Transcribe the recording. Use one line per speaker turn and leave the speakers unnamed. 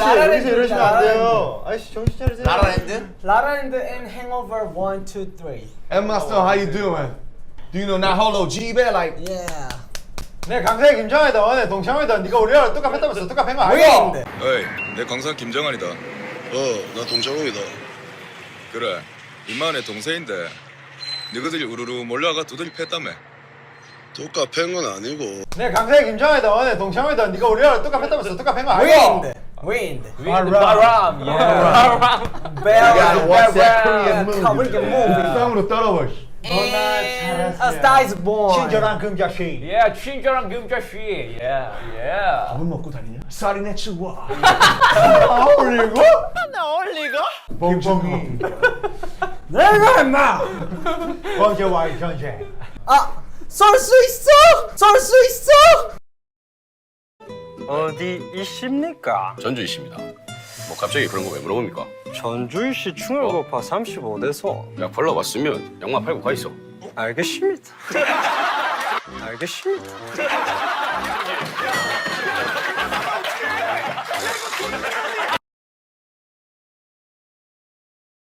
여기서 이러시면 안 돼요. 아이씨 정신 차리세요.
라라랜드?
라라랜드 and Hangover 1, 2, 3.
Emma Stone, how you doing? Do you know Naholo G-Bear? Like,
Yeah.
내 강사의 김정환이다. 오늘 동창회다. 네가 우리랑 똑같았다면서 똑같은 거 알고?
왜?
어이, 내 강사 김정환이다.
나 동창웅이다.
그래, 임마의 동생인데 너희들이 우르르 몰려가 두들이 팼다며.
독가 팬건 아니고.
내 강사의 김정환이다. 오늘 동창회다. 네가 우리랑 똑같았다면서 똑같은 거 알고?
Wind.
바람.
Bell.
gotta watch that Korean movie.
Korean movie.
땀으로 따라와.
And A Star Is Born.
친절한 금자씨.
예, 친절한 금자씨. 예.
밥은 먹고 다니냐? 쌀이 내 치와.
어울리고?
봉봉이.
내가 임마.
번째와의 전쟁.
아, 쏠 수 있어. 쏠 수 있어.
어디 있습니까?
전주이십니다. 뭐 갑자기 그런 거 왜 물어봅니까?
전주시 충혈고파 35대소.
약 벌러 왔으면 양마 팔고 가 있어.
알겠습니다. 알겠습니다.